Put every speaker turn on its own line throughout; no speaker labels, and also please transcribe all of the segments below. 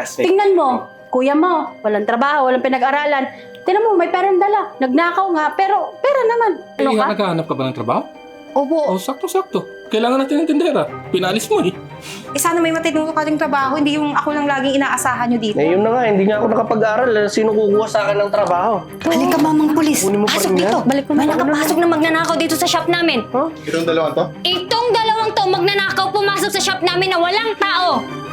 classmate.
Tingnan mo, kuya mo, walang trabaho, walang pinag-aralan. Tingnan mo, may perang dala. Nagnakaw nga, pero pera naman. Ano ka?
Naghahanap ka ba ng trabaho?
Opo.
Oh, sakto-sakto. Kailangan natin ng tindera. Pinalis mo eh.
Sana may matinuro ka ding trabaho, hindi yung ako lang laging inaasahan nyo dito.
Eh, yun na nga, hindi nga ako nakapag-aral. Sino kukuha sa akin ng trabaho?
Halika, mamang pulis.
Kunin mo pa
Pasok
rin
dito.
yan.
Balik mo
May
na.
nakapasok na magnanakaw dito sa shop namin.
Itong dalawang to?
Itong dalawang to magnanakaw pumasok sa shop namin na walang tao.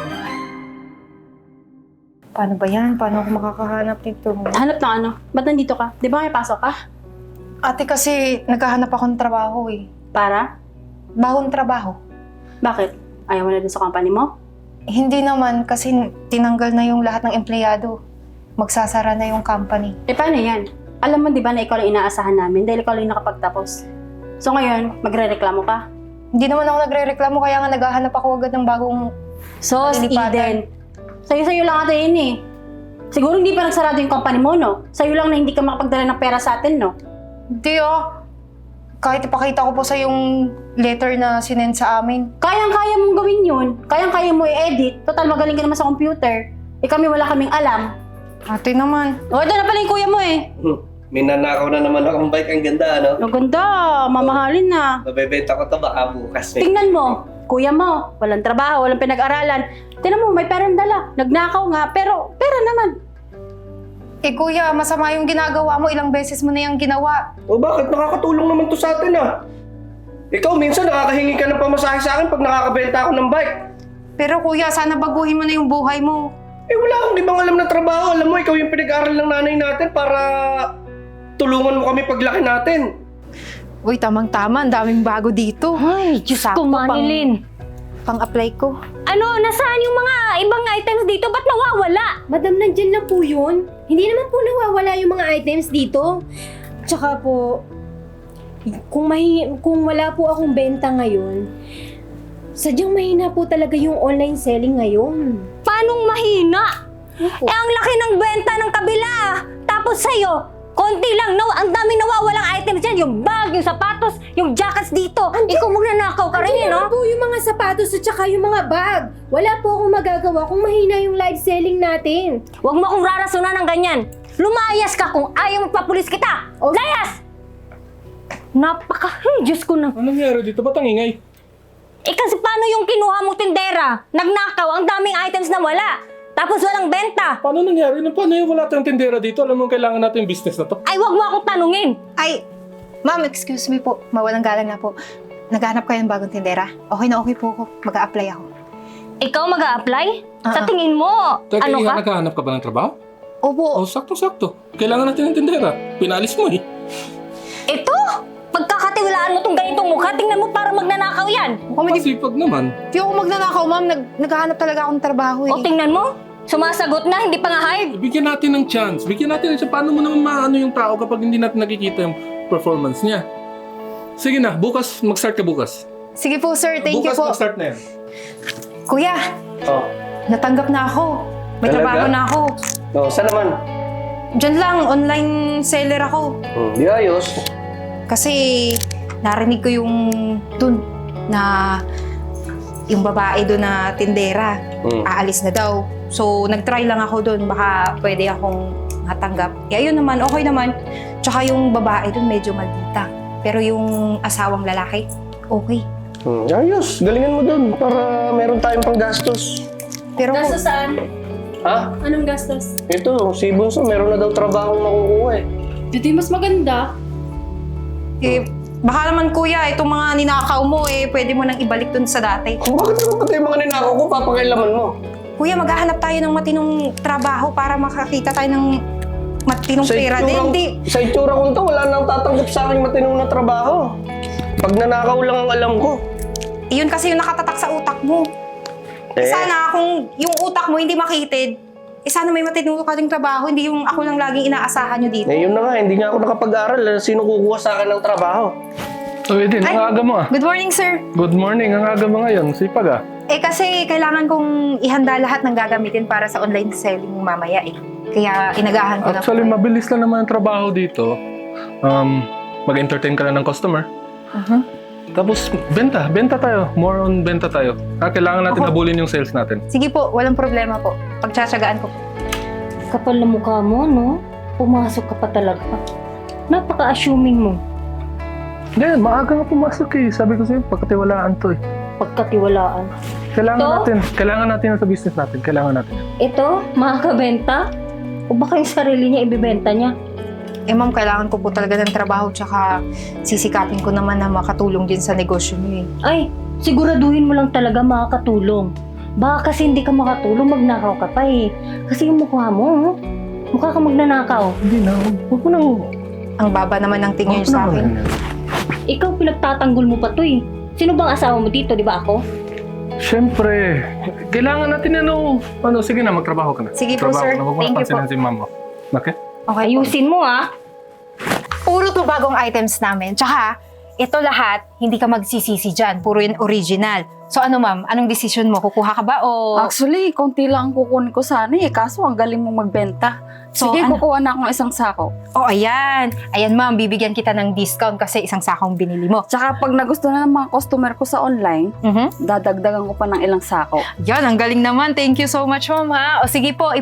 Paano ba yan? Paano ako makakahanap nito?
Hanap ng ano? Ba't nandito ka? Di ba may pasok ka?
Ate, kasi naghahanap ako ng trabaho eh.
Para?
Bahong trabaho.
Bakit? Ayaw mo na din sa company mo?
Hindi naman, kasi tinanggal na yung lahat ng empleyado. Magsasara na yung company.
Eh paano yan? Alam mo di ba na ikaw lang inaasahan namin dahil ikaw lang yung nakapagtapos. So ngayon, magre-reklamo ka?
Hindi naman ako nagre-reklamo, kaya nga naghahanap ako agad ng bagong...
So,
Lilipatan.
Eden, sa'yo lang ata yun eh. Siguro hindi pa nagsarado yung company mo, no? Sa'yo lang na hindi ka makapagdala ng pera sa atin, no?
Hindi kahit ipakita ko po sa yung letter na sinend sa amin.
Kayang-kaya mong gawin yun. Kayang-kaya mo i-edit. Total, magaling ka naman sa computer. Eh kami wala kaming alam.
Ate naman.
O, ito na pala yung kuya mo eh.
May nanakaw na naman akong bike. Ang ganda, ano?
Ang ganda, mamahalin na.
Mabebenta ko to baka bukas eh.
Tingnan mo, kuya mo, walang trabaho, walang pinag-aralan. Tingnan mo, may perang dala. Nagnakaw nga, pero pera naman.
Eh kuya, masama yung ginagawa mo. Ilang beses mo na yung ginawa.
O bakit? Nakakatulong naman to sa atin ah. Ikaw minsan nakakahingi ka ng pamasahe sa akin pag nakakabenta ako ng bike.
Pero kuya, sana baguhin mo na yung buhay mo.
Eh wala akong ibang alam na trabaho. Alam mo, ikaw yung pinag-aaral ng nanay natin para tulungan mo kami paglaki natin.
Uy, tamang-tama. Ang daming bago dito.
Ay, Diyos ko, Manilin.
Pang-apply ko.
Ano, nasaan yung mga ibang items dito? Ba't nawawala?
Madam, nandyan lang po yun. Hindi naman po nawawala yung mga items dito. Tsaka po, kung wala po akong benta ngayon, sadyang mahina po talaga yung online selling ngayon.
Paanong mahina?
Opo.
Eh, ang laki ng benta ng kabila. Tapos sa'yo, konti lang. No, ang daming nawawalang items dyan. Yung bag, yung sapatos, yung jackets dito. Ikaw magnanakaw ka rin,
Andyan
no?
naman po yung mga sapatos at saka yung mga bag. Wala po akong magagawa kung mahina yung live selling natin.
Huwag mo akong rarasunan ng ganyan. Lumayas ka kung ayaw magpapulis kita.
Oh.
Layas! Diyos ko na.
Anong nangyari dito? Ba't ang ingay?
Eh kasi paano yung kinuha mo tindera? Nagnakaw, ang daming items na wala. Tapos walang benta.
Paano nangyari? Paano yung wala tayong tindera dito? Alam mo, kailangan natin yung business na to.
Ay, wag mo akong tanungin.
Ay, ma'am, excuse me po. Mawalang galang na po. Naghanap kayo ng bagong tindera? Okay na okay po ako. Mag-a-apply ako.
Ikaw mag-a-apply? Sa tingin mo,
Teka,
ano ka?
naghahanap ka ba ng trabaho?
Opo.
Oh, sakto-sakto. Kailangan natin ng tindera. Pinalis mo eh.
Ito? Pagkakatiwalaan mo tong ganitong mukha, tingnan mo para magnanakaw yan.
Masipag naman.
Di ako magnanakaw, ma'am. Naghahanap talaga akong trabaho eh.
O tingnan mo, sumasagot na, hindi pa nga hired.
Bigyan natin ng chance. Bigyan natin ng chance. Paano mo naman maano yung tao kapag hindi natin nakikita yung performance niya? Sige na, bukas, mag-start ka bukas.
Sige po, sir. Thank you
Bukas
po.
mag-start na yan.
Kuya,
Oh.
natanggap na ako. May
Talaga?
trabaho na ako.
Oh, saan naman?
Diyan lang, online seller ako.
Di ayos.
Kasi narinig ko yung dun na yung babae doon na tindera, aalis na daw. So, nag-try lang ako doon. Baka pwede akong matanggap. Eh, ayun naman, okay naman. Tsaka yung babae doon medyo maldita. Pero yung asawang lalaki, okay.
Ayos. Galingan mo dun para meron tayong panggastos.
Pero
Gastos saan?
Ha?
Anong gastos?
Ito, si Bunso, meron na daw trabahong makukuha eh.
Hindi mas maganda.
baka naman kuya, itong mga ninakaw mo pwede mo nang ibalik doon sa dati.
Bakit naman pati yung mga ninakaw ko, papakailaman mo?
Kuya, maghahanap tayo ng matinong trabaho para makakita tayo ng matinong pera din. Hindi.
Sa itsura ko to, wala nang tatanggap sa akin matinong na trabaho. Pag nanakaw lang ang alam ko.
Iyon kasi yung nakatatak sa utak mo. Sana kung yung utak mo hindi makitid, sana may matinuro ka ding trabaho, hindi yung ako lang laging inaasahan nyo dito.
Eh, yun na nga, hindi nga ako nakapag-aral. Sino kukuha sa akin ng trabaho?
So, Eden,
Ay!
ang aga mo ah.
Good morning, sir.
Good morning, ang aga mo ngayon. Sipag ah.
Kasi kailangan kong ihanda lahat ng gagamitin para sa online selling mamaya Kaya inagahan ko
Actually,
na po.
mabilis lang naman ang trabaho dito. Mag-entertain ka lang ng customer. Tapos, benta tayo. More on benta tayo. Kailangan natin habulin yung sales natin.
Sige po, walang problema po. Pagtsatsagaan ko po.
Kapal na mukha mo, no? Pumasok ka pa talaga. Napaka-assuming mo.
Hindi, maaga nga pumasok eh. Sabi ko sa'yo, pagkatiwalaan to eh.
Pagkatiwalaan.
Kailangan natin sa business natin. Kailangan natin.
Ito, makakabenta? O baka yung sarili niya ibibenta niya?
Eh ma'am, kailangan ko po talaga ng trabaho tsaka sisikapin ko naman na makatulong din sa negosyo niyo eh.
Ay, siguraduhin mo lang talaga makakatulong. Baka kasi hindi ka makatulong, magnakaw ka pa eh. Kasi yung mukha mo, mukha ka magnanakaw.
Hindi na. Huwag mo nang...
Ang baba naman ng tingin niyo sa akin.
Ikaw pinagtatanggol mo pa to eh. Sino bang asawa mo dito, di ba ako?
Siyempre. Kailangan natin sige na, magtrabaho ka na.
Sige po, sir.
Huwag mo
Thank you
napansinin si mama. Okay?
Okay,
Ayusin mo ah.
puro to bagong items namin. Tsaka, ito lahat, hindi ka magsisisi dyan. Puro yun original. So ano ma'am, anong decision mo? Kukuha ka ba o...
Actually, konti lang ang kukunin ko sana eh. Kaso ang galing mong magbenta.
So,
Sige,
ano?
kukuha na akong isang sako.
Oh, ayan. Ayan ma'am, bibigyan kita ng discount kasi isang sakong binili mo.
Tsaka pag nagustuhan ng mga customer ko sa online, dadagdagan ko pa ng ilang sako.
Yan, ang galing naman. Thank you so much ma'am ha. O sige po,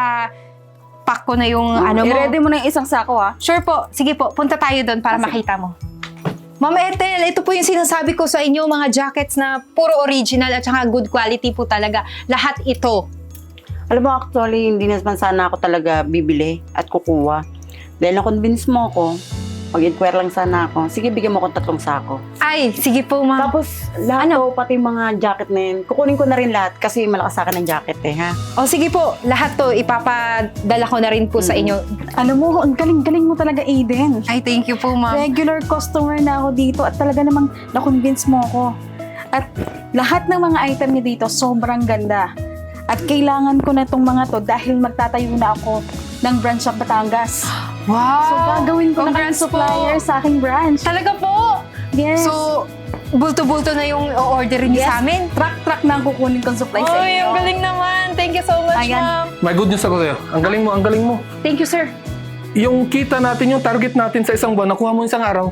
pack ko na yung ano mo.
I-ready mo na yung isang sako ha.
Sure po. Sige po, punta tayo doon para makita mo. Ma'am Ethel, ito po yung sinasabi ko sa inyo, mga jackets na puro original at saka good quality po talaga. Lahat ito.
Alam mo, actually, hindi naman sana ako talaga bibili at kukuha. Dahil na-convince mo ako, mag-inquire lang sana ako. Sige, bigyan mo akong 3 sako.
Ay, sige po ma'am.
Tapos, lahat to, pati mga jacket na yun, kukunin ko na rin lahat kasi malakas sa akin ng jacket eh, ha?
O sige po, lahat to ipapadala ko na rin po sa inyo.
Alam mo, ang galing-galing mo talaga, Aiden.
Ay, thank you po ma'am.
Regular customer na ako dito at talaga namang na-convince mo ako. At lahat ng mga item niya dito, sobrang ganda. At kailangan ko na itong mga to dahil magtatayo na ako ng branch sa Batangas.
Wow!
So, gagawin ko na kayong
Congrats po.
supplier sa aking branch.
Talaga po!
Yes.
So, bulto-bulto na yung o-orderin niyo
Yes.
sa amin?
Truck na ang kukunin kong supply sa
Ay,
inyo.
ang galing naman. Thank you so much,
Ayan.
ma'am.
May good news ako sa'yo. Ang galing mo.
Thank you, sir.
Yung kita natin, yung target natin sa isang buwan, nakuha mo isang araw.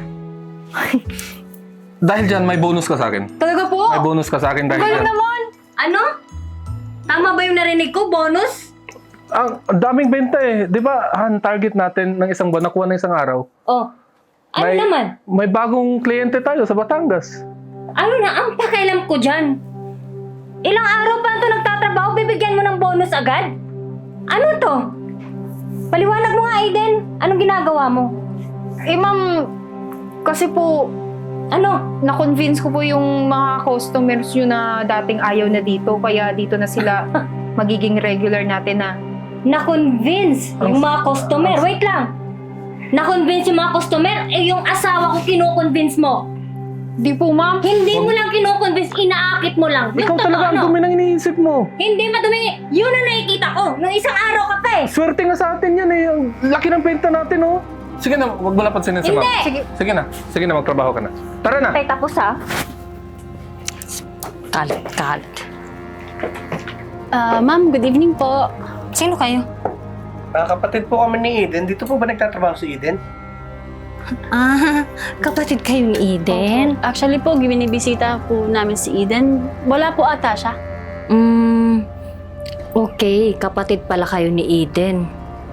Dahil dyan, may bonus ka sa akin.
Talaga po?
May bonus ka sa akin dahil
Galing
dyan.
naman.
Ano? Tama ba yung narinig ko? Bonus?
Ang daming benta eh. Di ba, target natin ng isang buwan, nakuha ng isang araw.
Oh. Ano
May-
naman?
May bagong kliyente tayo sa Batangas.
Ano na ang pakialam ko dyan? Ilang araw pa ito nagtatrabaho, bibigyan mo ng bonus agad? Ano to? Paliwanag mo nga, Aiden. Anong ginagawa mo?
Eh, ma'am, kasi po, na-convince ko po yung mga customers nyo na dating ayaw na dito, kaya dito na sila magiging regular natin na.
Na-convince yung mga customer. Wait lang. Na-convince yung mga customer, eh yung asawa ko kino-convince mo.
Di po, ma'am.
Hindi mo lang kino-convince, inaakit mo lang.
Ikaw
Yung
talaga ang
totoo,
dumi ng iniisip mo.
Hindi madumi. Yun ang nakikita ko. Nung isang araw ka pa eh.
Swerte nga sa atin yan eh. Ang laki ng benta natin oh. Sige na, wag mo lang pansinin si ma'am.
Hindi.
Sige na, magtrabaho ka na. Tara na.
Tay, tapos ha?
Kalat. Ma'am, good evening po.
Sino kayo?
Kapatid po kami ni Eden. Dito po ba nagtatrabaho si Eden?
Ah, kapatid kayo ni Eden?
Actually po, binibisita po namin si Eden. Wala po ata siya.
Okay, kapatid pala kayo ni Eden.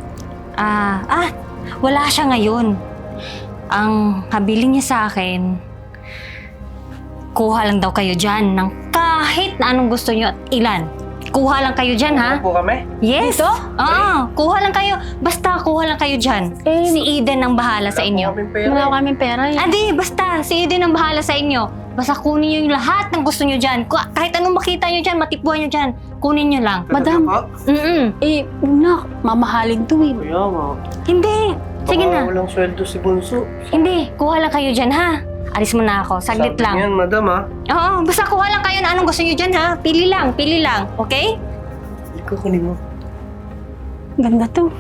Wala siya ngayon. Ang habiling niya sa akin, kuha lang daw kayo dyan ng kahit na anong gusto niyo at ilan. Kuha lang kayo dyan, ha?
Ano po kami?
Yes! Kuha lang kayo. Basta kuha lang kayo dyan. Si Eden ang bahala sa inyo.
Wala kaming pera eh.
Adi, basta. Si Eden ang bahala sa inyo. Basta kunin niyo yung lahat ng gusto niyo dyan. Kahit anong makita niyo dyan, matipuan niyo dyan. Kunin niyo lang.
Madam,
Mm-mm.
mamahalin to eh.
Kaya nga.
Hindi. Sige
Baka
na.
walang sweldo si Bunso.
Hindi. Kuha lang kayo dyan, ha? Alis mo na ako. Saglit
Sabi
lang.
niyan, madam ha.
Oo, basta kuha lang kayo na anong gusto niyo dyan, ha? Pili lang. Okay?
Hindi ko kunin mo.
Ganda to.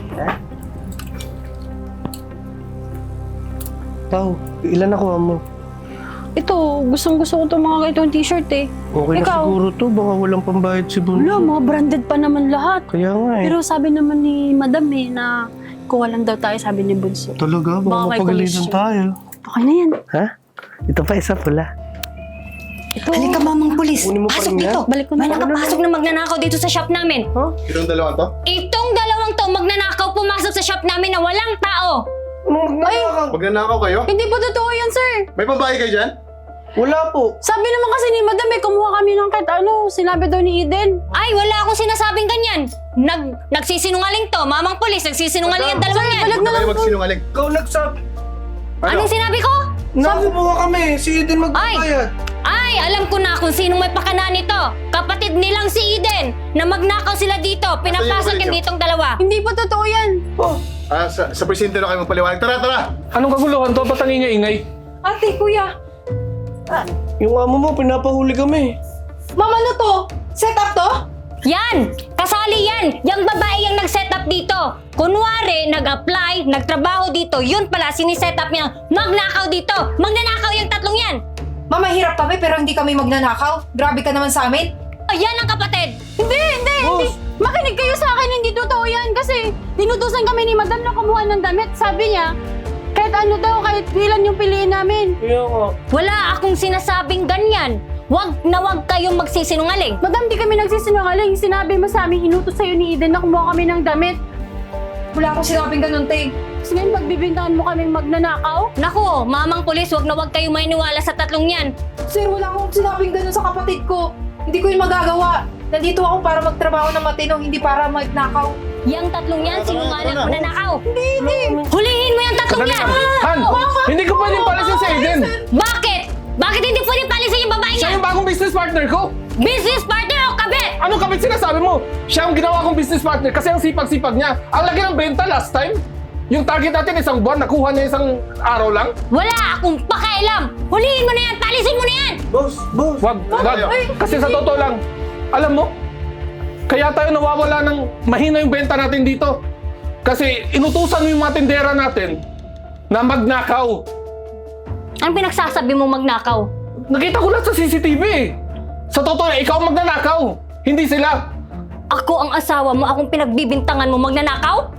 Pao, ilan nakuha mo?
Ito, gustong-gusto ko itong mga itong t-shirt eh.
Okay na
Ikaw?
siguro to. Baka walang pambayad si Bunso.
Wala, mga branded pa naman lahat.
Kaya nga eh.
Pero sabi naman ni Madam eh na kuha lang daw tayo, sabi ni Bunso.
Talaga,
Baka
baka
may
mapagalitan
commission.
tayo.
Okay na yan.
Ha? Ito pa isa pula.
Halika, mamang pulis.
Kunin mo pa
Pasok
rin yan.
dito.
Balik ko na.
May nakapasok na magnanakaw dito sa shop namin.
Itong dalawang to?
Itong dalawang to magnanakaw pumasok sa shop namin na walang tao.
Anong magnanakaw?
Magnanakaw kayo?
Hindi po totoo yan, sir.
May babae kayo dyan?
Wala po.
Sabi naman kasi ni Madam, kumuha kami ng kahit sinabi daw ni Eden.
Ay, wala akong sinasabing ganyan. Nagsisinungaling to. Mamang pulis, nagsisinungaling ang dalawang yan.
Huwag na kayo magsinungaling.
Ikaw nagsabi.
Anong sinabi ko?
Nakakumuha kami. Si Eden magbabayad.
Ay, alam ko na kung sinong may pakana nito. Kapatid nilang si Eden na magnakaw sila dito. Pinapasok
Nasaan yung
yung ditong dalawa.
Hindi po totoo yan.
Oh,
Sa presinto na kayo magpaliwanag. Tara, tara!
Anong kaguluhan to? Ba't ang ingay-ingay?
Ate, kuya.
yung amo mo, pinapahuli kami.
Mama, ano to? Set up to?
Yan! Kasali yan! Yung babae yung nag-set up dito. Kunwari, nag-apply, nagtrabaho dito. Yun pala, siniset up niya. Magnakaw dito. Magnanakaw yung tatlong yan.
Mama, hirap kami pero hindi kami magnanakaw. Grabe ka naman sa amin.
Yan ang kapatid.
Hindi. Makinig kayo sa akin, hindi totoo yan. Kasi dinutusan kami ni Madam na kumuha ng damit. Sabi niya, kahit ano daw, kahit ilan yung piliin namin.
Kaya nga.
Wala akong sinasabing ganyan. Wag na wag kayong magsisinungaling.
Madam, di kami nagsisinungaling. Sinabi mo sa amin, inutos sa'yo ni Eden na kumuha kami ng damit.
Wala akong sinabing ganun, Tay.
Tapos ngayon, pagbibintangan mo kaming magnanakaw?
Naku, mamang pulis, wag na wag kayong maniwala sa tatlong yan.
Sir, wala akong sinabing ganun sa kapatid ko. Hindi ko yun magagawa. Nandito ako para magtrabaho ng matino, hindi para magnakaw.
Yang tatlong yan, sinungaling
tara na.
magnanakaw. Hindi. Hulihin mo yung tatlong
Sandali
yan.
lang. Han! Hindi ko pwedeng palisin si Eden!
Bakit? Bakit hindi pwedeng palisin yung babae
Siya
niya?
yung bagong business partner ko!
Business partner o kabit?
Anong kapit sinasabi mo? Siya ang ginawa kong business partner kasi ang sipag-sipag niya. Ang laki ng benta last time. Yung target natin isang buwan, nakuha niya isang araw lang.
Wala akong pakialam. Hulihin mo na yan, palisin mo na yan.
Boss.
Wag. Kasi sa totoo lang, alam mo, kaya tayo nawawala ng mahina yung benta natin dito. Kasi inutusan mo yung mga tindera natin na magnakaw.
Anong pinagsasabi mo magnakaw?
Nakita ko lang sa CCTV eh. Sa totoo, ikaw ang magnanakaw. Hindi sila.
Ako ang asawa mo, akong pinagbibintangan mo magnanakaw?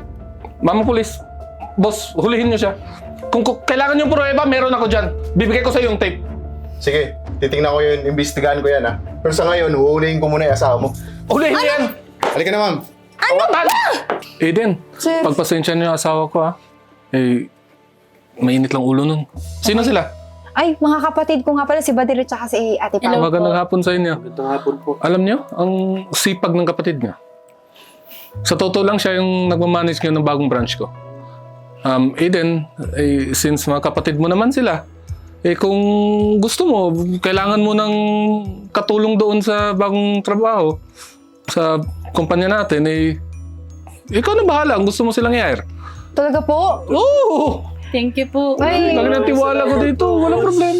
Mama Pulis, boss, hulihin niyo siya. Kung kailangan yung pruweba, meron ako dyan. Bibigay ko sa yung tape.
Sige, titingnan ko yun, imbestigahan ko yan ha. Pero sa ngayon, huhulihin ko muna yung asawa mo.
Hulihin niyo yan!
Halika na, ma'am.
Ano ba? Eden, pagpasensya niyo yung asawa ko ha. Eh, mainit lang ulo nun. Sino sila?
Ay, mga kapatid ko nga pala, si Badir at saka si Ate Pao.
Magandang hapon sa inyo.
Magandang hapon po.
Alam niyo, ang sipag ng kapatid niya. Sa totoo lang siya yung nagmamanage ngayon ng bagong branch ko. Eden, since mga kapatid mo naman sila, kung gusto mo, kailangan mo ng katulong doon sa bagong trabaho, sa kumpanya natin, ikaw na bahala. Ang gusto mo silang i-hire.
Talaga po?
Oo!
Thank you po.
Ay,
Lagi ng tiwala ko dito. Walang problema.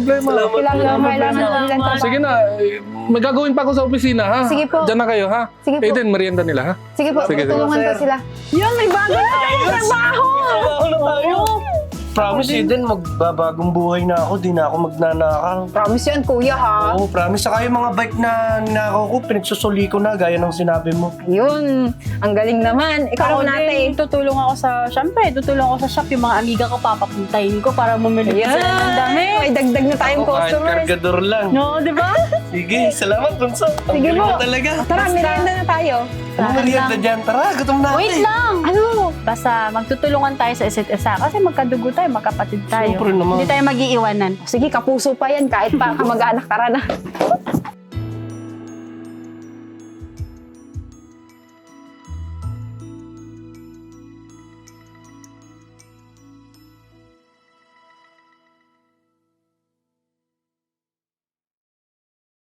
kailangan trabaho.
Sige na, may gagawin pa ako sa opisina, ha?
Sige po.
Diyan na kayo, ha?
Sige po.
Eden, merienda nila, ha?
Sige po,
Sige, sige.
tutulungan ko sila.
Yun, may bagay na tayo trabaho!
Trabaho na tayo. Promise, Eden, magbabagong buhay na ako. Di na ako magnanakaw.
Promise yan, kuya, ha?
Oo, promise. Saka yung mga bike na ninakaw ko, pinagsusuli ko na, gaya ng sinabi mo.
Yun, ang galing naman. Ikaw
Ako
natin.
din, tutulong ako sa shop, yung mga amiga ko, papapuntahin ko para bumili ko sila ng damit.
May dagdag na tayong
Kahit
customers.
kargador lang.
No, di ba?
Sige, salamat, Bunso. Ang
Sige
galing
po.
mo talaga.
Tara, merienda na tayo.
Anong merienda dyan? Tara, gutom na
Wait lang! Ano? Basta magtutulungan tayo sa isa't isa kasi magkadugo tayo, magkapatid tayo.
Siyempre naman.
Hindi tayo mag-iiwanan.
Sige, kapuso pa yan kahit pa kamag-anak, tara na.